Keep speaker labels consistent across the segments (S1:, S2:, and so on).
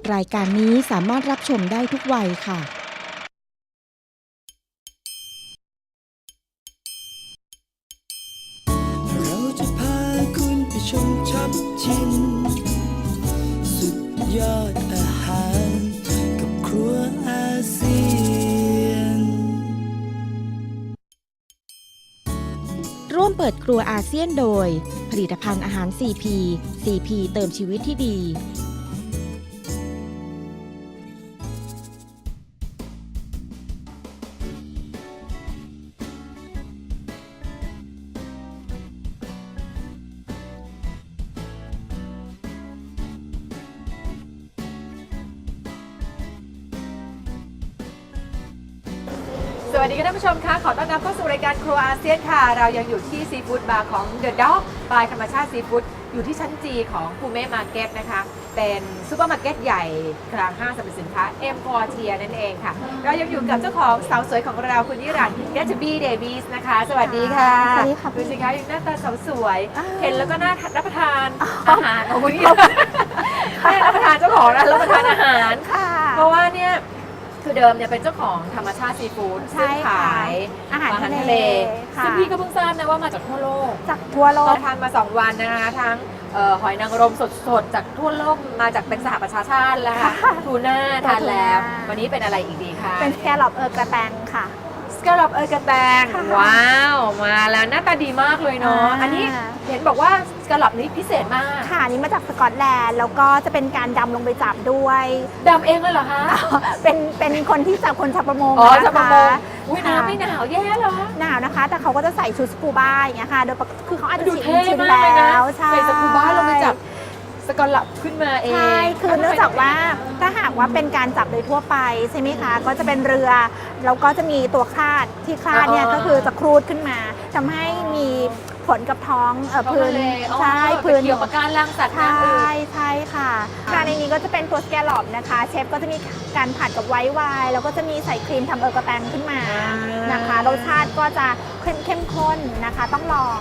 S1: รายการนี้สามารถรับชมได้ทุกวัยค่ะ
S2: เราจะพาคุณไปชมช็อปชิมสุดยอดอาหารกับครัวอาเซียน
S1: ร่วมเปิดครัวอาเซียนโดยผลิตภัณฑ์อาหาร CP CP เติมชีวิตที่ดี
S3: สวัสดีค่ะท่านผู้ชมค่ะขอต้อนรับเข้าสู่รายการครัวอาเซียนค่ะเรายังอยู่ที่ซีฟู้ดบาร์ของ The Dog บายธรรมชาติซีฟู้ดอยู่ที่ชั้นจีของภูเม่มาร์เก็ตนะคะเป็นซูเปอร์มาร์เก็ตใหญ่กลางห้างสรรพสินค้าเอ็มพอร์เทียนั่นเองค่ะเรายังอยู่กับเจ้าของสาวสวยของเราคุณนิรันดร์เดชบีเดวิสนะคะสวัสดีค่ะ
S4: สวัสดีค่ะ
S3: ดูสิคะยังหน้าตาสาวสวยเห็นแล้วก็น่ารับประทานอาหารของคุณนิรันดร์ไม่รับประทานเจ้าของร้านรับประทานอาหาร
S4: ค่ะ
S3: เพราะว่าเนี่ยคือเดิมเนี่ยเป็นเจ้าของธรรมชาติซีฟู้ด
S4: ใช่
S3: ซึ่ง
S4: ค่ะ
S3: ขาย
S4: อาหารทะเลค่ะ
S3: ซึ่งพี่ก็เพิ่งทราบนะว่ามาจากทั่วโลก
S4: จากทั่วโล
S3: เรา
S4: ก
S3: ทานมา 2 วันนะคะทั้งหอยนางรมสดๆ จากทั่วโลกมาจากเป็นสหประชาชาติแล้วค่ะทูน่าทานแล้ว วันนี้เป็นอะไรอีกดีคะ
S4: เป็นสแกลลอปกระแตงค่ะ
S3: สแกลลอปกระแตง
S4: ค่ะ
S3: ว้าวมาแล้วหน้าตาดีมากเลยเนาะอันนี้เห็นบอกว่าสแกลลอปนี้พิเศษมาก
S4: ค่ะอันนี้มาจากสกอตแลนด์แล้วก็จะเป็นการดำลงไปจับด้วย
S3: ดำเองเลยเหรอคะ
S4: เป็นคนที่จับคนชาวประมง
S3: อ๋อ
S4: นะคะ
S3: ชาวประมงอุ้ย
S4: ค่ะ
S3: น้ำไม่หนาวแย่เหรอ
S4: หนาวนะคะ แต่เขาก็จะใส่ชุดสกูบ้าอย่างเงี้ยค่ะโดยปกคือเขาอาจจะ
S3: ดู
S4: ชิน
S3: เท่
S4: ชิน
S3: มากเลยนะ
S4: แล้วใช่
S3: ใส่สกูบ้าลงไปจับสกอลลับขึ้นมาเอง
S4: ใช่คือเนื่องจากว่าถ้าหากว่าเป็นการจับโดยทั่วไปใช่ไหมคะก็จะเป็นเรือแล้วก็จะมีตัวคลาดที่คลาดเนี่ยก็คือจะครูดขึ้นมาทำให้มีผลกับท้องพื้นใช่พื้น
S3: เกี่ยวกับการล้างสัตว์
S4: ใช่
S3: น้ำอื่น
S4: ใช่ค่ะค่ะในนี้ก็จะเป็นตัวสแกลลอปนะคะเชฟก็จะมีการผัดกับไวท์ไวน์แล้วก็จะมีใส่ครีมทำกระแตงขึ้นมานะคะรสชาติก็จะเข้มข้นนะคะต้องลอง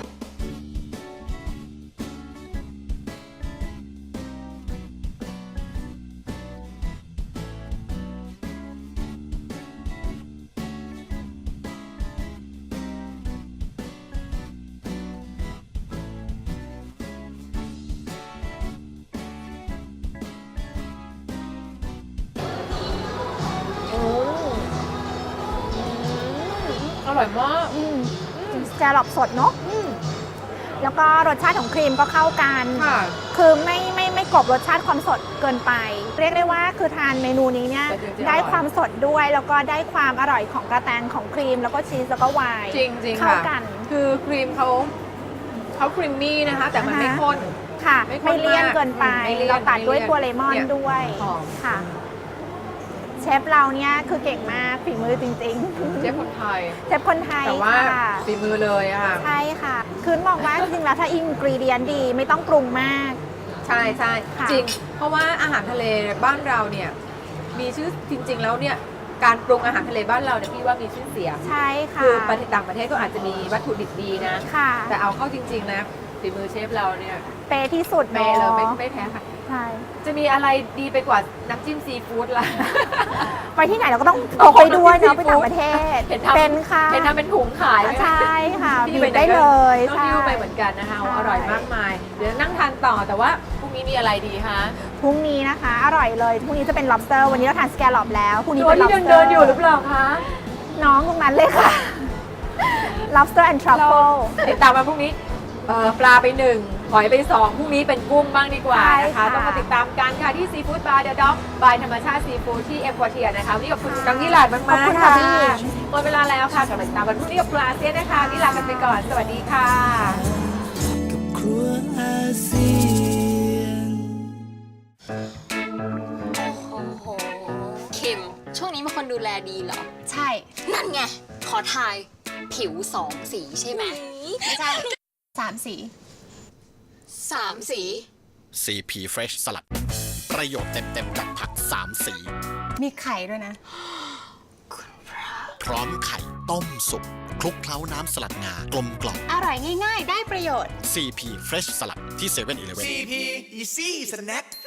S3: อร่อยมาก
S4: สแกลลอปสดเนาะแล้วก็รสชาติของครีมก็เข้ากัน
S3: ค่ะ
S4: คือไม่กลบรสชาติความสดเกินไป เรียกได้ว่าคือทานเมนูนี้เนี่ย
S3: แต่จริงๆ
S4: ได้ความสดด้วย แล้วก็ได้ความอร่อยของกระแตงของครีมแล้วก็ชีสแล้วก็ไวน์
S3: จริงๆ
S4: เข้า
S3: ค่ะ
S4: กัน
S3: คือครีมเขาครีมมี่นะคะ แต่มันไม่ข้น
S4: ค่ะ
S3: ไม่ข้น
S4: ไม่เลี่ยน
S3: มาก
S4: เกินไป
S3: ไม่เลี่ยน
S4: เราตัดด้วย
S3: ไม่เลี่ยน
S4: ตัวเลมอน
S3: เนี่ย
S4: ด้วย
S3: หอม
S4: ค่ะ เชฟเราเนี่ยคือเก่งมากฝีมือจริง
S3: เชฟคนไทย
S4: ๆเชฟคนไทย
S3: แต่ว่า
S4: ค่ะ
S3: ฝีมือเลยอะค่ะ
S4: ใช่ค่ะคือมองว่าจริงๆแล้วถ้าอินกรีเดียนดีไม่ต้องปรุงมาก
S3: ใช่ใช่
S4: ค่ะ
S3: จริง เพราะว่าอาหารทะเลบ้านเราเนี่ยมีชื่อจริง ๆ แล้วเนี่ยการปรุงอาหารทะเลบ้านเราเนี่ยพี่ว่ามีชื่อเสียง
S4: ใช่ค่ะ
S3: คือประเทศต่างประเทศก็อาจจะมีวัตถุดิบดีนะ
S4: ค่ะ
S3: แต่เอาเข้าจริงๆนะฝีมือเชฟเราเนี่ย
S4: เปย์ที่สุด
S3: เป๊ะเลย
S4: นาะ
S3: ไม่แพ้ค่ะ
S4: ใช่
S3: จะมีอะไรดีไปกว่าน้ำจิ้มซีฟู้ดล่ะ
S4: ไปที่ไหนเราก็ต้องพกไปด้วยเนาะไปต่างประเทศ
S3: เห็นทำ
S4: เป็นค่ะ
S3: เห็นทำเป็นถุงขายไหม
S4: ใช่ค่ะ
S3: ที่
S4: บีบได้เลย
S3: ต้อง
S4: ใช่
S3: ยิ้วไปเหมือนกันนะคะ
S4: ใช่
S3: อร่อยมากมาย เดี๋ยวนั่งทานต่อแต่ว่าพรุ่งนี้มีอะไรดีคะ
S4: พรุ่งนี้นะคะ อร่อยเลยพรุ่งนี้จะเป็น lobster วันนี้เราทานสแกลลอปแล้วพรุ่งนี้
S3: ตัว
S4: เป็น
S3: ที่
S4: lobster
S3: เดินอยู่หรือเปล่าคะ
S4: น้องตรงนั้นเลยค่ะ lobster and
S3: เรา
S4: truffle
S3: ติดตามมาพรุ่งนี้ปลาไป1หอยไป2พรุ่งนี้เป็นกุ้งบ้างดีกว่า
S4: ใช่
S3: นะคะ
S4: ค่ะ
S3: ต้องมาติดตามกันค่ะที่ซีฟู้ดบาร์เดอะด็อกบายธรรมชาติซีฟู้ดที่เอ็มควอเทียนะคะวันนี้ขอบคุณน้องนิรันดร์มาก
S4: ขอบคุณ
S3: ๆ
S4: ค่ะ
S3: ค่ะ
S4: พี่หญิง
S3: หมดเวลาแล้วค่ะกลับมาติดตามวันพรุ่งนี้กับปลาเซียนนะคะนี่ลากันไปก่อนสวัสดีค่ะ
S2: กับครัวอาเซียน
S5: โอ้โหคิม ช่วงนี้มีคนดูแลดีเหรอ
S6: ใช่
S5: นั่นไง ขอทาย ผิว2 สีใช่ไหม
S6: ไม่ใช่3 สี
S5: 3 สี
S7: CP Fresh สลัด ประโยชน์เต็มๆกับผัก 3 สี
S6: มีไข่ด้วยนะ
S7: พร้อมไข่ต้มสุกคลุกเคล้าน้ำสลัดงากลมกล่อม
S6: อร่อยง่ายๆ ได้ประโยชน์
S7: CP Fresh สลัดที่7-Eleven
S8: CP Easy Snack